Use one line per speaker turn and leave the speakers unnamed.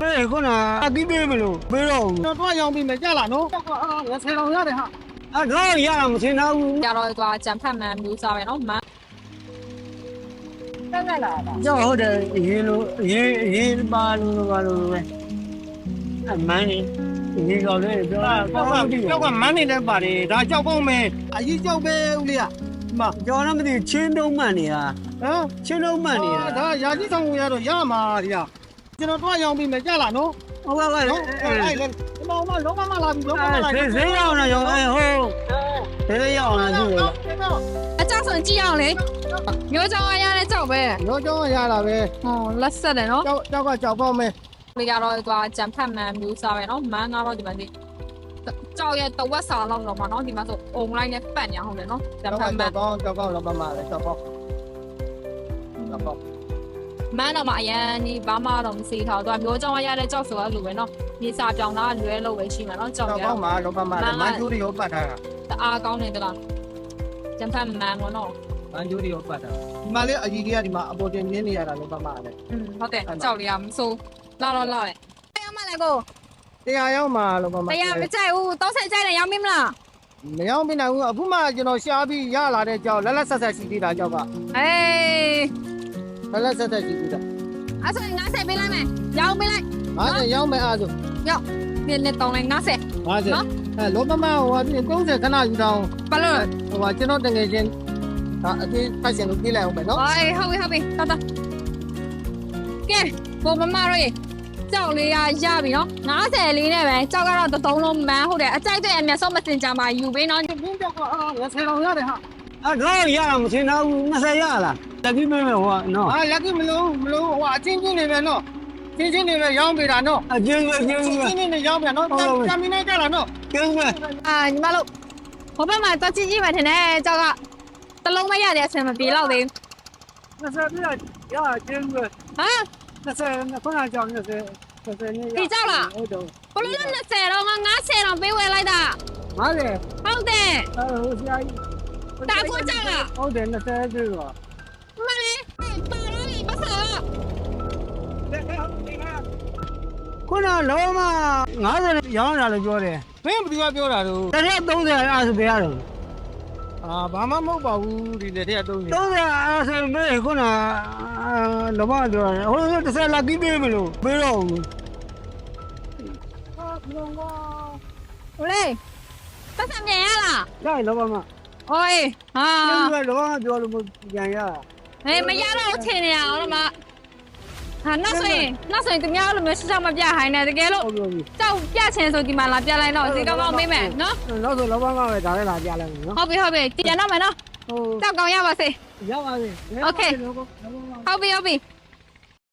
哎，可能给别没了，没了。
那多养比没价了喏。我才老下的哈。
啊，老一样，现在
ရတော့သွားကြံဖတ်မှန်မျိုးစားပဲနော်မန်တက်တက်လာတာ
要好的一八路呗，啊，慢的，一个嘞，
叫个慢点的把的，他叫公没，啊，一叫呗屋里啊，嘛，
叫他们的钱都慢的啊，
啊，
钱都慢的啊。
他牙医上午也都牙嘛的呀，现在多养比没价了喏。
我
哎，老妈拉比，老妈拉比。
谁要呢？要哎好，谁要呢？就是。
အကြောက်ဆုံးကြည့်အောင်လေမျိုးကြောင်ရတဲ့ကြောက်ပဲ
ရောကြောင်းရလာပဲ
ဟောလက်ဆက်တယ်နော်
ကြောက်ကကြောက်ပေါက်မဲ
လေကတော့သွားကြံဖတ်မှန်မျိုးစားပဲနော်မန်ကတော့ဒီမှာဒီကြောက်ရဲ့တဝက်စာလောက်တော့မှာနော်ဒီမှာဆိုအုံလိုက်နဲ့ပတ်ညာဟုတ်တယ်နော်ကြံဖတ်မှန်
ကြောက်ပေါက်လောမမလည်းကြောက်ပေါက်
မန်တော့မှအရန်ဒီဘာမှတော့မစီထားတော့မျိုးကြောင်ရတဲ့ကြောက်ဆိုရလို့ပဲနော်မြေစာပြောင်းတာလွဲလို့ပဲရှိမှာနော်ကြောက်ရ
ပေါက်မှာလောမမလည်းမန်ကျူရီကိုပတ်ထားတာ
တအားကောင်းနေသလားကြံဖတ်မှန်ပေါ့နော်
မန်ကျူရီကိုပတ်ထားဒီမှာလေအကြီးကြီးကဒီမှာအပေါ်တင်မြင်းနေရတာလောမမလည်း
ဟုတ်တယ်ကြောက်လေးကမစိုးလာတော့လာတယ်တရားမလဲကို
တရားရောက်မှာလောမမ
တရားမကြိုက်ဘူး30ကြိုက်တယ်ရောင်းမင်းမလား
မရောက်မနိုင်ဘူးအခုမှကျွန်တော်ရှားပြီးရလာတဲ့ကြောက်လက်လက်ဆက်ဆက်ရှိသေးတာကြောက်က
အေး
လက်လက်ဆက်ဆက်ရှိသေးတာ
အဲ့ဆိုရင်90ပေးလိုက်မယ်ရောင်းပေးလိုက်
50ရောက်မယ်အားဆို
ရောက်ဒီနဲ့တောင်းလိုက်90
50အဲလောမမဟို30ခဏယူတောင်း
ဘာလို့
ဟိုကျွန်တော်တငယ်ချင်းဒါအသေးဖိုက်ရှင်လို့ပြေးလိုက်အောင်မယ်နော်
အေးဟုတ်ပြီတော်တော်ကဲဘုံမမတို့ကြောက်လေးရပြီနော်90လေးနဲ့ပဲကြောက်ကတော့သုံးလုံးမန်းဟုတ်တယ်အကြိုက်တဲ့အမြတ်ဆုံးမစင်ကြမှာယူပေးနော်
ပြင်းကြောက်က我才老下的哈
啊，老一样，现在那谁要了？再给别没我喏。
啊လက်ကြီးမလို့ဟိုအချင်းချင်းနေပဲနော်ချင်းချင်းနေပဲရောင်းပေးတာနော်
啊，就是
ချင်းချင်းနေရောင်းပြန်နော်တမင်းနေကြလားနော်
就是。
အာညီမတို့ဟိုဘက်မှာတော့ကြည့်မှထင်တယ်ကြောက်ကတလုံးမရတဲ့အဆင်မပြေတော့သေး
那是不要就是
ဘူးဟမ်
那是那不能叫那是那
ဒီကြောက်လား
我懂。
ဘလို့လဲ20တော့ငါ90တော့ပေးဝယ်လိုက်တာ
哪里？
ဟုတ်တယ်
我下一。
ဒါကိုကြောက်လား
好的，那是这个。
မလေးပါတော့လေပတ်စား
ခုနလောမ90ရောင်းတာလို့ပြောတယ်
ဘယ်ဘယ်ပြောတာတော့
တရက်30အားဆိုပြရတယ်
အာဘာမှမဟုတ်ပါဘူးဒီလက်ထက်အသုံးနေ
30အားဆိုမဲခုနလောမပြောတယ်ဟို30လာပြီးပေးမလို့ပေးတော့ဘူး
ဟိုလေပတ်စားမြန်ရလား
ရလောမ
အိုးဟာ
ကျလောမပြောလို့ပြန်ရ
ဟေးမရတော့ထင်နေရအောင်လားမဟာနောက်ဆိုရင်သူများလိုမျိုးရှောက်မပြဟိုင်းနေတကယ်လို့
ဟုတ်ပြီ
ကြောက်ပြချင်ဆိုဒီမှာလာပြလိုက်တော့ဒီကောင်းကောင်းမေးမယ်နော်
နောက်ဆိုလောမပဲဒါလည်းလာပြလိုက်မယ်နော်
ဟုတ်ပြီပြန်တော့မယ်နော်
ဟုတ်
ကြောက်ကောင်းရပါစေ
ရပါစေ
ဟုတ်ပြီ